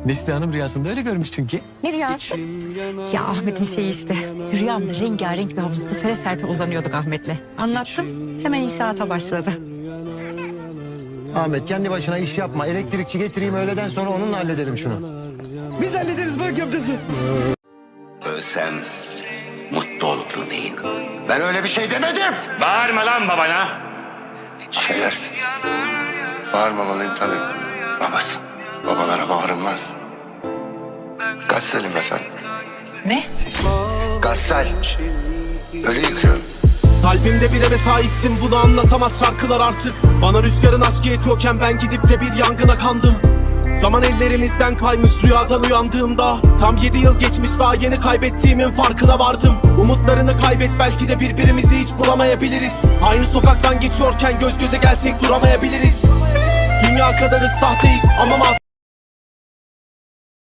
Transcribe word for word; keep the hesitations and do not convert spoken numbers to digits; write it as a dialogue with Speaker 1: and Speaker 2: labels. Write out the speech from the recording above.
Speaker 1: Neslihan Hanım rüyasında öyle görmüş çünkü.
Speaker 2: Ne rüyası? Ya Ahmet'in şeyi işte. Rüyamda rengarenk bir havuzda sere serpe uzanıyorduk Ahmet'le. Anlattım. Hemen inşaata başladı.
Speaker 3: Ahmet kendi başına iş yapma. Elektrikçi getireyim, öğleden sonra onunla halledelim şunu.
Speaker 1: Biz hallederiz bak amcası.
Speaker 4: Ölsem mutlu olurdun deyin. Ben öyle bir şey demedim.
Speaker 5: Bağırma lan babana.
Speaker 4: Affedersin. Bağırmamalıyım tabii. Babasın. Babalara bağırılmaz. Gassalim efendim.
Speaker 6: Ne?
Speaker 4: Gassal. Ölü yıkıyorum.
Speaker 7: Kalbimde bir eve sahipsin, bunu anlatamaz şarkılar artık. Bana rüzgarın aşkı yetiyorken ben gidip de bir yangına kandım. Zaman ellerimizden kaymış rüyadan uyandığımda. Tam yedi yıl geçmiş, daha yeni kaybettiğimin farkına vardım. Umutlarını kaybet, belki de birbirimizi hiç bulamayabiliriz. Aynı sokaktan geçiyorken göz göze gelsek duramayabiliriz. Dünya kadarız, sahteyiz ama